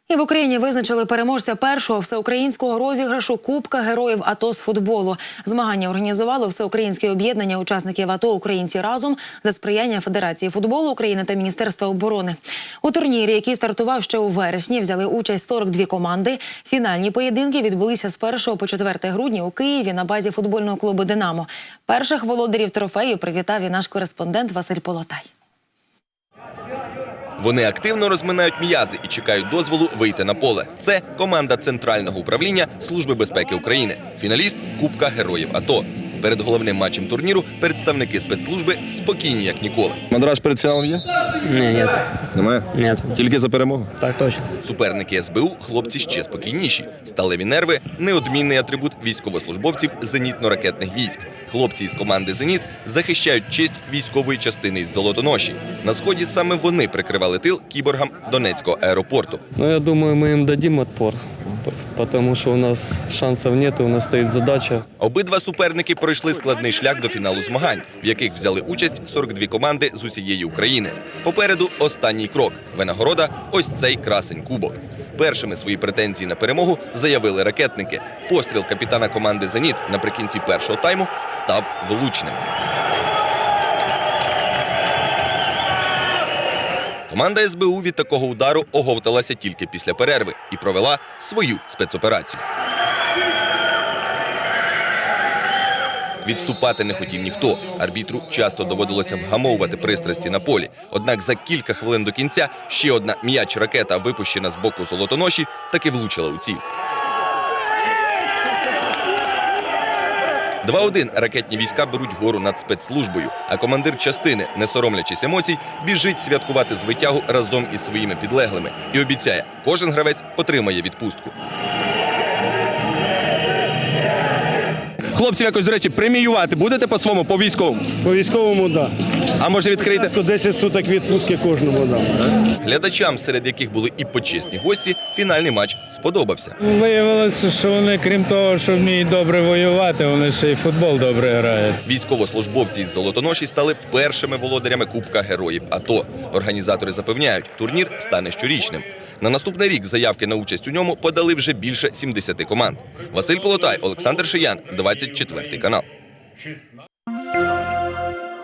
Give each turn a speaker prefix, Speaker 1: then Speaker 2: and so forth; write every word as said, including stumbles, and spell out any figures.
Speaker 1: І в Україні визначили переможця першого всеукраїнського розіграшу Кубка Героїв АТО з футболу. Змагання організувало Всеукраїнське об'єднання учасників АТО «Українці разом» за сприяння Федерації футболу України та Міністерства оборони. У турнірі, який стартував ще у вересні, взяли участь сорок дві команди. Фінальні поєдинки відбулися з першого по четверте грудня у Києві на базі футбольного клубу «Динамо». Перших володарів трофею привітав і наш кореспондент Василь Полотай.
Speaker 2: Вони активно розминають м'язи і чекають дозволу вийти на поле. Це команда Центрального управління Служби безпеки України, фіналіст Кубка Героїв АТО. Перед головним матчем турніру представники спецслужби спокійні, як ніколи.
Speaker 3: Мандраж перед фіналом є?
Speaker 4: Ні, ні.
Speaker 3: Немає?
Speaker 4: Ні.
Speaker 3: Тільки за перемогу?
Speaker 4: Так точно.
Speaker 2: Суперники ес бе у – хлопці ще спокійніші. Сталеві нерви – неодмінний атрибут військовослужбовців зенітно-ракетних військ. Хлопці із команди «Зеніт» захищають честь військової частини із Золотоноші. На Сході саме вони прикривали тил кіборгам Донецького аеропорту.
Speaker 5: Ну, я думаю, мы им дадим отпор, потому что у нас шансов нет, у нас стоит задача.
Speaker 2: Обидва суперники пройшли складний шлях до фіналу змагань, в яких взяли участь сорок дві команди з усієї України. Попереду останній крок – винагорода – ось цей красень кубок. Першими свої претензії на перемогу заявили ракетники. Постріл капітана команди «Зеніт» наприкінці першого тайму став влучним. Команда ес бе у від такого удару оговталася тільки після перерви і провела свою спецоперацію. Відступати не хотів ніхто. Арбітру часто доводилося вгамовувати пристрасті на полі. Однак за кілька хвилин до кінця ще одна м'яч-ракета, випущена з боку Золотоноші, таки влучила у ціль. два один ракетні війська беруть гору над спецслужбою, а командир частини, не соромлячись емоцій, біжить святкувати звитягу разом із своїми підлеглими і обіцяє, кожен гравець отримає відпустку.
Speaker 3: Хлопців якось, до речі, преміювати будете по-своєму, по-військовому?
Speaker 6: По військовому – так.
Speaker 3: А може відкрити?
Speaker 6: То десять суток відпустки кожному дам.
Speaker 2: Глядачам, серед яких були і почесні гості, фінальний матч сподобався.
Speaker 7: Виявилося, що вони, крім того, що вміють добре воювати, вони ще й футбол добре грають.
Speaker 2: Військовослужбовці із Золотоноші стали першими володарями Кубка Героїв АТО. Організатори запевняють, турнір стане щорічним. На наступний рік заявки на участь у ньому подали вже більше сімдесяти команд. Василь Полотай, Олександр Шиян, двадцять четвертий канал.